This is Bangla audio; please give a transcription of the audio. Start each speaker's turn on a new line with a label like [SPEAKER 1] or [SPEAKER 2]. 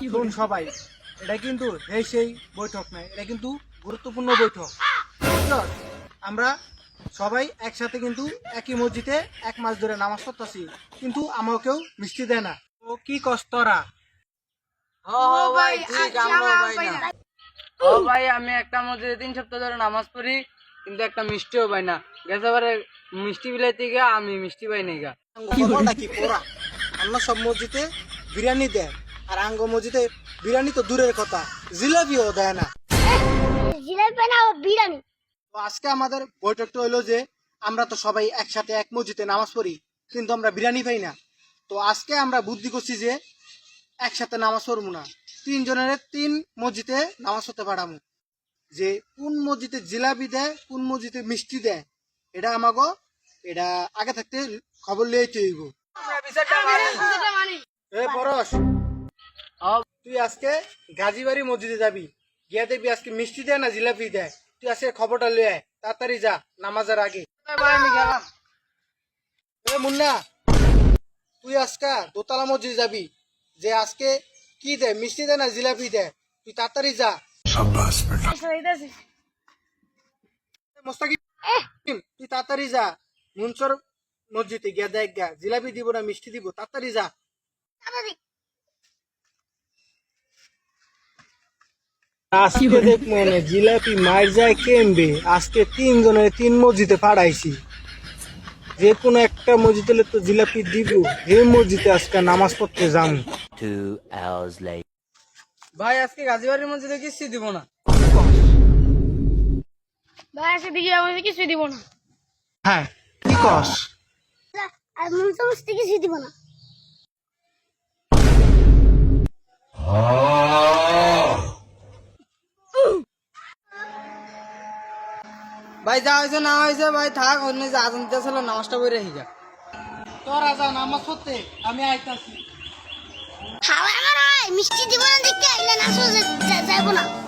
[SPEAKER 1] শুন সবাই, এটা কিন্তু সেই বৈঠক নয়, এটা কিন্তু গুরুত্বপূর্ণ বৈঠক। বুঝছস? আমরা সবাই একসাথে কিন্তু একই মসজিদে 1 মাস ধরে নামাজ পড়তেছি, কিন্তু আমাকেও মিষ্টি দেয় না। ও কি কষ্টরা?
[SPEAKER 2] ভাই ঠিক আমরা পাই না। ভাই আমি একটা মসজিদে 3 সপ্তাহ ধরে নামাজ পড়ি, কিন্তু একটা মিষ্টিও পাই না। গেছবারে মিষ্টি বিলাইতে গিয়ে আমি মিষ্টি পাই নাই গা।
[SPEAKER 1] খবরটা কি পোড়া? অন্য সব মসজিদে বিরিয়ানি দেয়, আর আঙ্গ মসজিদে বিরিয়ানি তো দূরের কথা, জিলাপিও দেয় না।
[SPEAKER 3] জিলাপি না বিরিয়ানি।
[SPEAKER 1] তো আজকে আমাদের বৈঠকটা হইলো যে আমরা তো সবাই একসাথে এক মসজিদে নামাজ পড়ি, কিন্তু আমরা বিরিয়ানি পাই না। তো আজকে আমরা বুদ্ধি করছি যে একসাথে নামাজ পড়বো না, 3 জনের 3 মসজিদে নামাজ পড়তে পাঠাবো। যে কোন মসজিদে জিলাপি দেয়, কোন মসজিদে মিষ্টি দেয়, এটা আমাকে এটা আগে থাকতে খবর লিয়েতে হইব। এ পরশ, তুই আজকে গাজীবাড়ি মসজিদে যাবি, গিয়ে দেখবি আজকে মিষ্টি দেয় না জিলাপি দেয়। তুই আজকে খবরটা লিয়ে আয়, তাড়াতাড়ি যা নামাজের আগে।
[SPEAKER 2] আমি গেলাম।
[SPEAKER 1] এ মুন্না, তুই আজকে দোতলা মসজিদে যাবি, যে আজকে কি দেয়, মিষ্টি দেয় না জিলাপি দেয়, তুই তাড়াতাড়ি যা। মোস্তাকিম, তুই তাড়াতাড়ি যা মুনসর মসজিদে গিয়া দেখ গা জিলাপি দিব না মিষ্টি দিব, তাড়াতাড়ি যা। আজকে দেখ মনে জিলাপি মার যায় কেমবে, আজকে 3 জনের 3 মসজিদে পাঠাইছি, যে কোনো একটা মসজিদে তো জিলাপি দিব। এই মসজিদে আজকে নামাজ পড়তে যাম।
[SPEAKER 4] 2 hours later.
[SPEAKER 2] ভাই আজকে গাজীবাড়ির মসজিদে কিচ্ছু দিব না।
[SPEAKER 3] ভাই আজকে দিকে আমাকে কিছু দিব না।
[SPEAKER 1] হ্যাঁ কি কস?
[SPEAKER 3] আর মন সমস্ত কিছু দিব না।
[SPEAKER 2] ভাই যা হয়েছে না হয়েছে ভাই থাক, অন্য যে আজান দিতেছিল নামাজটা পড়ে হিগা।
[SPEAKER 1] তোরা যা নামাজ পড়তে, আমি আইতাছি।
[SPEAKER 3] খাওয়া আমার হয় মিষ্টি দিব না দেখে আইলে না যাইব না।